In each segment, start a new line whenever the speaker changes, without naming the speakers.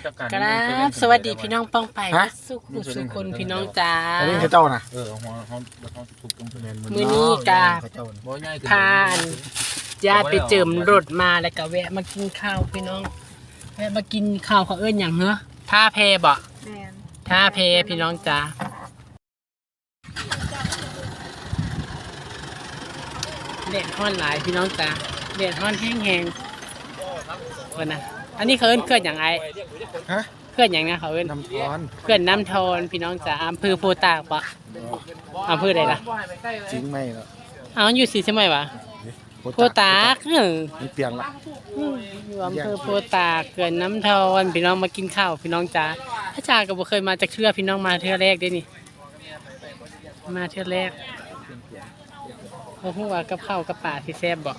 ครับสวัสดีพี่น้องป้องไปสุขุสุคนพี่น้องจ้า
อันนี้คือเจ้านะ
มื้อนี้กาพานญาติไปเจิมรถมาแล้วก็แวะมากินข้าวพี่น้องแวะมากินข้าวเขาเอิ้นอย่างเหรอท่าแพบ่ท่าแพพี่น้องจ้าเด็ดฮ้อนหลายพี่น้องจ้าเด็ดฮ้อนแห้งๆวันนะอันนี้เขาเอิ้นเคลื่อนอย่างไรเคลื่อนอย่างนี้เขาเอิ้น
น้ำทอน
เคลื่อนน้ำทอนพี่น้องจ้าอำเภอโพตากปะอำเภอใดล่ะ
จริงไหมล่ะ
เอาอยู่สีใช่ไหมวะโพตาก
มีเปลี่ยนละ
อยู่อำเภอโพตากเขื่อนน้ำทอนพี่น้องมากินข้าวพี่น้องจ้าพระจ่าก็บ่เคยมาจากเทื่อพี่น้องมาเทื่อแรกได้นี่มาเทื่อแรกโอ้โหว่ากับข้าวกับป่าที่แซ่บบ่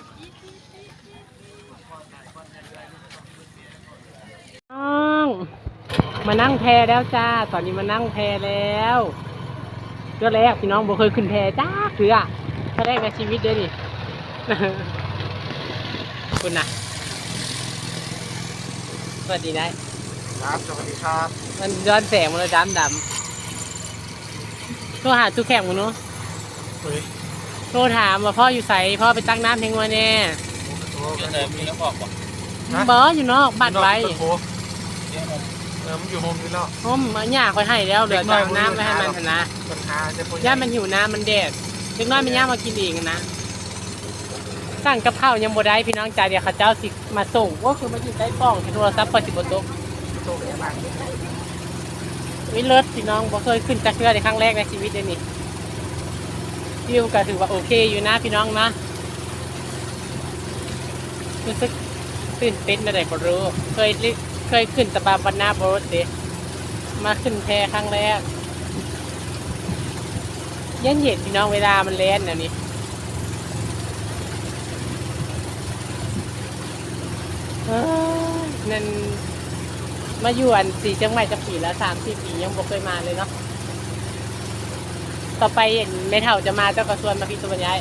น้องมานั่งแพแล้วจ้าตอนนี้มานั่งแพแล้วเทื่อแรกพี่น้องบ่เคยขึ้นแพจ้าเทื่อแรกในชีวิตเด้นี่คุณนะสวัสดีนะครับ
สวัสดีครับ
มันย้อนแสงมันเลยดำโทรหาทุกแข่งมันเนาะโทรถามว่าพ่ออยู่ใส่พ่อไปตั้งน้ำเพียงวันแน่บออยู่นอกบัดไว้
มันอยู่โฮมนี่แล้ว
โฮมมันยากไปให้แล้วเหลือจะน้ำไว้ให้มันนะย่ามันหิวน้ำมันแดดเล็กน้อยมันย่ามากินเองนะสั่งกับข้าวยังบ่ได้พี่น้องจ่าเดี๋ยวข้าเจ้าสิมาส่งก็คือมาอยู่ใต้กล้องที่โทรศัพท์พอสิบโต๊ะวิเลิศพี่น้องบ่เคยขึ้นจากเรือในครั้งแรกในชีวิตเลยนี่วิวก็ถือว่าโอเคอยู่นะพี่น้องนะรู้สึกตื่นเต้นอะไรบ่รู้เคยขึ้นตะบาบันนาโบสเดมาขึ้นแพครั้งแรกเย็นพี่น้องเวลามันเล่นนะนี่นั่นมาอยู่อันสีจังใหม่จะปีแล้ว3-4 ปียังบ่เคยมาเลยเนาะต่อไปเห็นไม่เท่าจะมาเจ้ากระทรวงมาพี่ตัวย้าย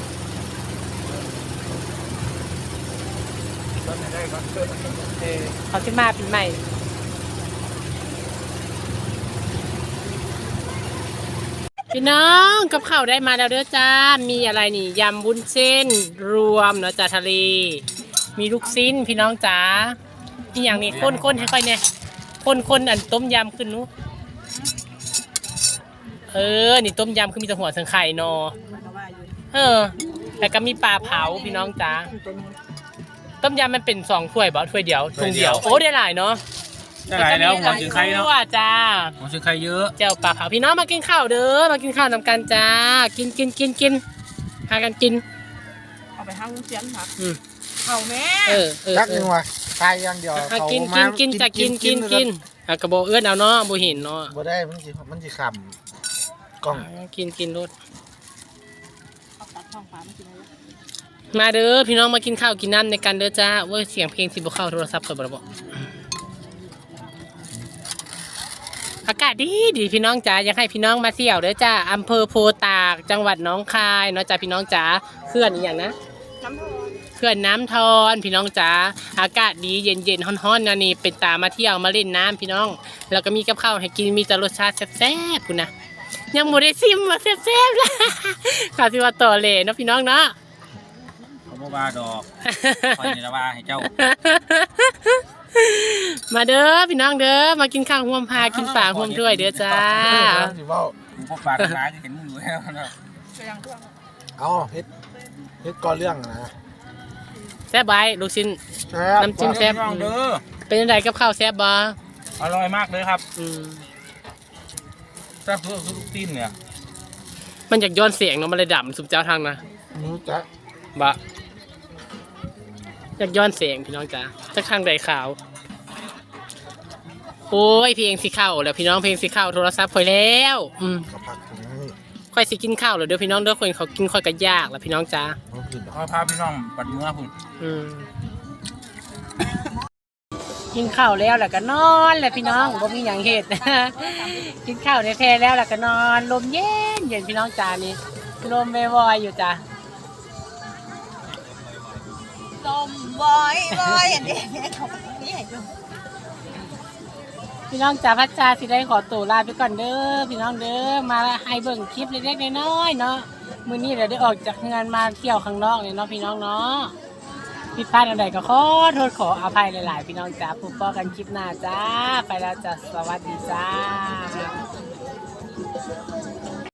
เขาจะมาปีใหม่พี่น้องกับข้าวได้มาแล้วเด้อจ้ามีอะไรนี่ยำวุ้นเส้นรวมเนาะจ้าทะเลมีลูกชิ้นพี่น้องจ๋าที่อย่างนี้ข้นให้ค่อยเนี่ยข้นอันต้มยำขึ้นนู้นี่ต้มยำคือมีแต่หัวสังไข่นอแล้วก็มีปลาเผาพี่น้องจ๋าต้มยำมันเป็น2 ถ้วยบ่ถ้วยเดียวถุงเดียวโอ้ได้หลายเนาะ
ได้หลายแล้วหัวถึงไข่เนาะ
จ้า
หัวถึงไข่เยอะ
เจ้าปลาเผาพี่น้องมากินข้าวเด้อมากินข้าวนำกันจ้ากินหากันกิน
เอาไปห้างเสียนครับเขาแม่
จักนึงว่ะตายอย่างเดียว
เขากินจะกินกระโบเอื้อนเอาเนาะบ่เห็นเนาะ
บ่ได้มันสิขำกล้อง
กินรถมาเด้อพี่น้องมากินข้าวกินน้ำในกันเด้อจ้าเว้ยเสียงเพลงสิบ่เข้าโทรศัพท์ก่อนบ่บอกอากาศดีพี่น้องจ๋าอยากให้พี่น้องมาเที่ยวเด้อจ้าอำเภอโพตากจังหวัดหนองคายเนาะจ้าพี่น้องจ๋าเขื่อนอีกอย่างนะเขื่อนน้ำทอนพี่น้องจ๋าอากาศดีเย็นฮ้อนๆนะนี่เป็นตามาเที่ยวมาเล่นน้ำพี่น้องแล้วก็มีกับข้าวให้กินมีแต่รสชาติแซ่บๆคุณนะยังโมได้ซิมว่าแซ่บๆละข่าวที่ว่าต่อเลยเนาะพี่น้องเนาะ
ผมว่าดอกคอยนี่ละว่าให้เจ้า
มาเด้อพี่น้องเด้อมากินข้าวห่วมพากินป่าห่วมด้วยเด้อจ้า
ผมก็ปากร้ายจะเห็นมึงอยู่แล้วนะ
เอาเฮ็ดก่อเรื่องนะ
แซ่บใบลูกชิ้นน้ำจิ้มแซ่บเป็นยังไงกับข้าวแซ่บบ่
อร่อยมากเลยครับแซ่บทุกตีนเนี่ย
มันอยากย้อนเสียงเนาะมันเลยดับสุดเจ้าทางนะ
จ๊ะ
บะอยากย้อนเสียงพี่น้องจ้าจากทางใดข่าวโอ้ยเพลงสีข้าวแล้วพี่น้องเพลงสีข้าวโทรศัพท์คอยแล้วค่อยสิกินข้าวแล้วเด้อพี่น้องเด้อคนเขากินค่อยกันยากแล้วพี่น้องจ้า
เขาพาพี่น้องปัดเมื่อคุณ
กินข้าวแล้วก็นอนแหละพี่น้องบ่มีอย่างเหตุกินข้าวในแพแล้วก็นอนลมเย็นพี่น้องจ้านี่ลมไม่วอยอยู่จ้า
ลมวอยอย่างนี้เขาไม่ให้ดู
พี่น้องจ๋าพัชชาสิได้ขอตัวลาไปก่อนเด้อพี่น้องเด้อมาให้เบิ่งคลิปเล็กๆน้อยๆเนาะมื้อนี้เราได้ออกจากงานมาเที่ยวข้างนอกเนี่ยเนาะพี่น้องเนาะผิดพลาดอะไรก็ขอโทษขออภัยหลายๆพี่น้องจ๋าพบกันคลิปหน้าจ้าไปแล้วจ้ะสวัสดีจ้า